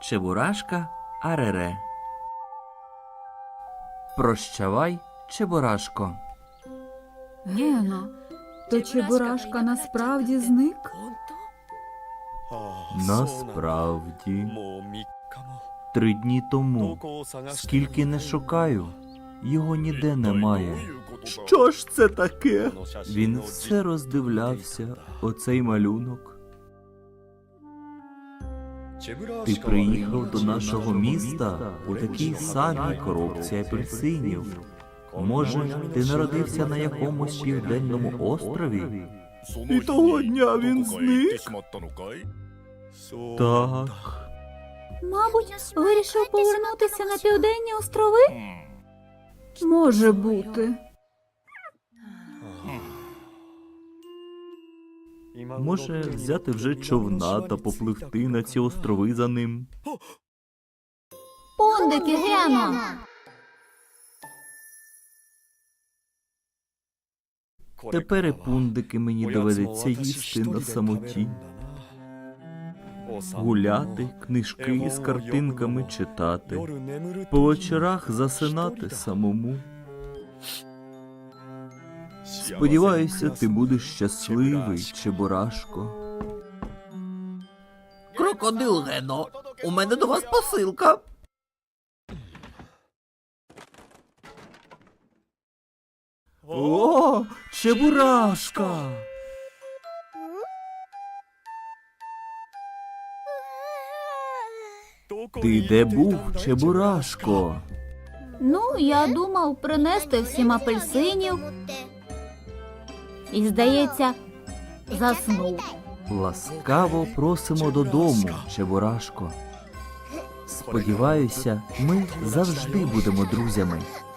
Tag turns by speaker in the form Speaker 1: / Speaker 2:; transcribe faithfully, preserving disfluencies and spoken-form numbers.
Speaker 1: Чебурашка Арере. Прощавай, Чебурашко.
Speaker 2: Гено, то Чебурашка насправді зник?
Speaker 1: Насправді, три дні тому, скільки не шукаю, його ніде немає. Що ж це таке? Він все роздивлявся, оцей малюнок. Ти приїхав до нашого міста у такій самій коробці апельсинів. Може, ти народився на якомусь південному острові? І того дня він зник? Так.
Speaker 2: Мабуть, вирішив повернутися на Південні острови? Може бути.
Speaker 1: Може, взяти вже човна та попливти на ці острови за ним?
Speaker 2: Пундики, Гено!
Speaker 1: Тепер і пундики мені доведеться їсти на самоті. Гуляти, книжки з картинками читати, по вечорах засинати самому. Сподіваюся, ти будеш щасливий, Чебурашко.
Speaker 3: Крокодил Гено, у мене до вас посилка.
Speaker 1: О, Чебурашка! Ти де був, Чебурашко?
Speaker 2: Ну, я думав принести всім апельсинів. І, здається, заснув.
Speaker 1: Ласкаво просимо додому, Чебурашко. Сподіваюся, ми завжди будемо друзями.